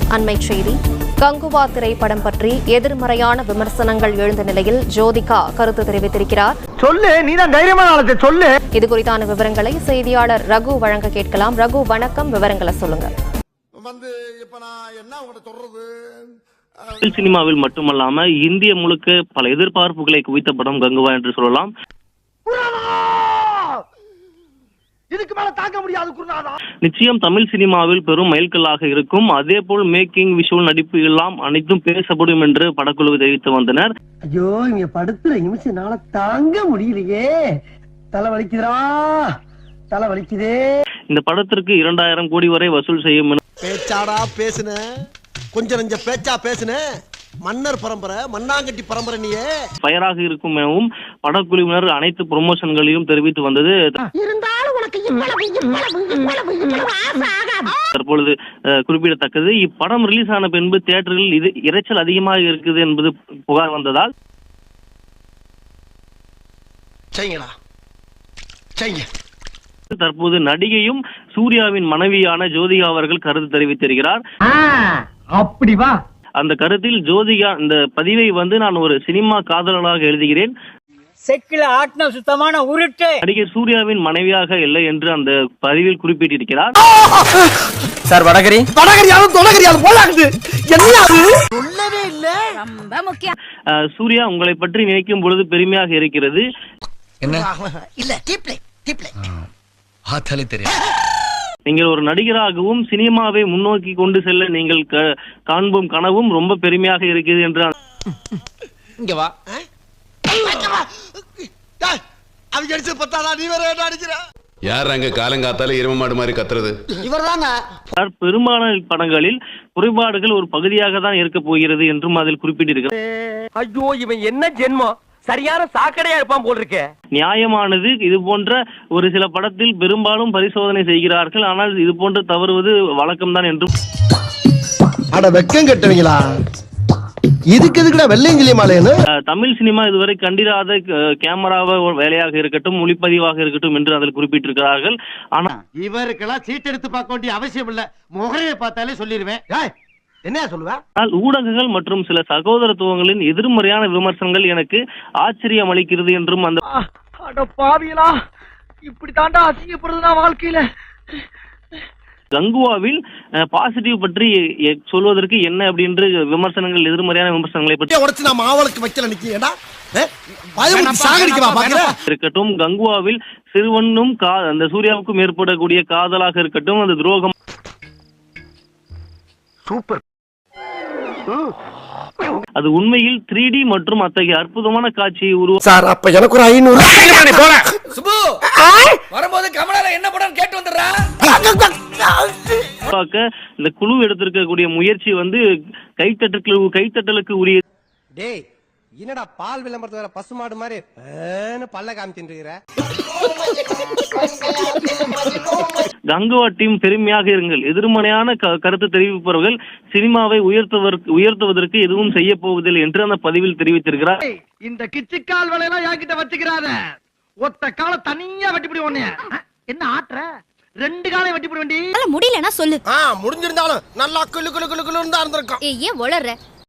அண்மைச் செய்தி. கங்குவா திரைப்படம் பற்றி எதிர்மறையான விமர்சனங்கள் எழுந்த நிலையில் ஜோதிகா கருத்து தெரிவித்திருக்கிறார். சொல்லு, நீதான் தைரியமான ஆளு, சொல்லு. இது குறித்தான விவரங்களை செய்தியாளர் ரகு வழங்க கேட்கலாம். ரகு, வணக்கம். விவரங்களை சொல்லுங்க. தமிழ் சினிமாவில் மட்டுமல்லாம இந்திய முழுக்க பல எதிர்பார்ப்புகளை குவித்த படம் கங்குவா என்று சொல்லலாம். நிச்சயம் தமிழ் சினிமாவில் பெரும் மைல்கல்லாக இருக்கும். அதே போல் மேக்கிங், விஷுவல், நடிப்பு எல்லாம் அனைத்தும் பேசப்படும் என்று படக்குழு தெரிவித்து வந்தனர். ஐயோ, இங்க படுத்துற நிமிஷம் தாங்க முடியலையே, தலை வலிக்குதா, தலை வலிக்குதே. இந்த படத்திற்கு 2000 கோடி வரை வசூல் செய்யும். பேச்சாடா பேசுன, கொஞ்சம் நெஞ்ச பேச்சா பேசுன, மன்னர் பரம்பரை, மண்ணாங்கட்டி பரம்பரை. நீயே ஃபயராக இருக்கும் எனவும் படக்குழுவினர் அனைத்து ப்ரொமோஷன்களையும் தெரிவித்து வந்தது. தற்பொழுது குறிப்பிடத்தக்கது, இப்படம் ரிலீஸ் ஆன பின்பு தியேட்டரில் இது இரைச்சல் அதிகமாக இருக்குது என்பது புகார் வந்ததால் தற்போது நடிகையும் சூர்யாவின் மனைவியான ஜோதிகா அவர்கள் கருத்து தெரிவித்திருக்கிறார். அப்படி வா. அந்த கருத்தில் ஜோதிகா இந்த பதிவை நான் ஒரு சினிமா காதலனாக எழுதுகிறேன், செக்கில ஆட்டின சுத்தமான உருட்டு, நடிகர் சூர்யாவின் மனைவியாக இல்லை என்று அந்த பதிவில் குறிப்பிட்டிருக்கிறார். சார், வடகரி வடகரியாலும் தொடகரியாலும் போலாகுது. என்ன அது? சொல்லவே இல்ல. ரொம்ப முக்கியம். சூர்யா, உங்களை பற்றி நினைக்கும் பொழுது பெருமையாக இருக்கிறது. என்ன இல்ல, டீப்ளே டீப்ளே ஆத்தாலே தெரியும். நீங்கள் ஒரு நடிகராகவும் சினிமாவை முன்னோக்கி கொண்டு செல்ல நீங்கள் காண்பும் கனவும் ரொம்ப பெருமையாக இருக்கிறது என்று. இங்க வா. அவங்க அடிச்சு பத்தாடா, நீ வேற என்ன அடிக்கிற? யார் அங்க காலங்காத்தால எரும மாடு மாதிரி கத்துறது? இவர்தாங்க. பெரும்பாலான படங்களில் குறைபாடுகள் ஒரு பகுதியாக தான் இருக்க போகிறது என்றும் அதில் குறிப்பிட்டிருக்கிறார். ஐயோ, இவன் என்ன ஜென்மம், சரியான சாக்கடையா இருப்பான் போல் இருக்க. நியாயமானது. இது போன்ற ஒரு சில படத்தில் பெரும்பாலும் பரிசோதனை செய்கிறார்கள், ஆனால் இது போன்று தவறுவது வழக்கம்தான் என்றும். அட வெக்கம் கட்டுவீங்களா, இதுக்கு எதுக்குடா வெள்ளையங்கிலி மாலைன்னு? தமிழ் சினிமா இதுவரை கண்டிராத கேமராவை வேலையாக இருக்கட்டும், ஒளிப்பதிவாக இருக்கட்டும் என்று அதில் குறிப்பிட்டிருக்கிறார்கள். ஆனால் இவருக்கெல்லாம் சீட் எடுத்து பார்க்க வேண்டிய அவசியம் இல்ல, முகரையை பார்த்தாலே சொல்லிடுவேன். என்ன சொல்லுவேன்? ஊடகங்கள் மற்றும் சில சகோதரத்துவங்களின் எதிர்மறையான விமர்சனங்கள் எனக்கு ஆச்சரியம் அளிக்கிறது என்றும். அந்த பாவியலா, இப்படி தாண்டா அசிங்கப்படுறதுனா வாழ்க்கையில. கங்குவாவில் பாசிட்டிவ் பற்றி சொல்வதற்கு என்ன அப்படின்ற விமர்சனங்கள், எதிர்மறையான விமர்சனங்களை பற்றி உடைச்சு நான் மாவளுக்கு வைக்கல நிக்கிறேன்டா. இருக்கட்டும், கங்குவாவில் சிறுவனும் அந்த சூர்யாவுக்கும் ஏற்படக்கூடிய காதலாக இருக்கட்டும், அந்த துரோகம். சூப்பர். அது உண்மையில் 3D மற்றும் அத்தகைய அற்புதமான காட்சியை உருவாக்க. சார், அப்ப எனக்கு ஒரு 500 சுபு வரும்போது கமலால என்ன படம் கேட்டு வந்துடுறா. இந்த குழு எடுத்திருக்கக்கூடிய முயற்சி கைத்தட்டலுக்கு உரிய. டேய், என்னடா பால் விளம்பரத்து வர பசுமாடு மாதிரி பல்ல காமிக்கின்ற. கங்குவா டீம் பெருமையாக இருங்கள். எதிர்மறையான கருத்து தெரிவிப்பவர்கள் சினிமாவை உயர்த்துவதற்கு எதுவும் செய்ய போவதில்லை என்று அந்த பதிவில் தெரிவித்திருக்கிறார். இந்த கிச்சிக்கால் வேலையெல்லாம் என்கிட்ட வச்சுக்கிறாத. ஒத்த கால தனியா வெட்டிப்பிடி. ஒண்ணு என்ன ஆட்ற, 2 காலை வெட்டிப்பிடி. முடியலன்னா சொல்லு. முடிஞ்சிருந்தாலும் நல்லா குளு குளு குளு குளுன்னு தான் இருந்திருக்கும். ஏன் வளர்ற?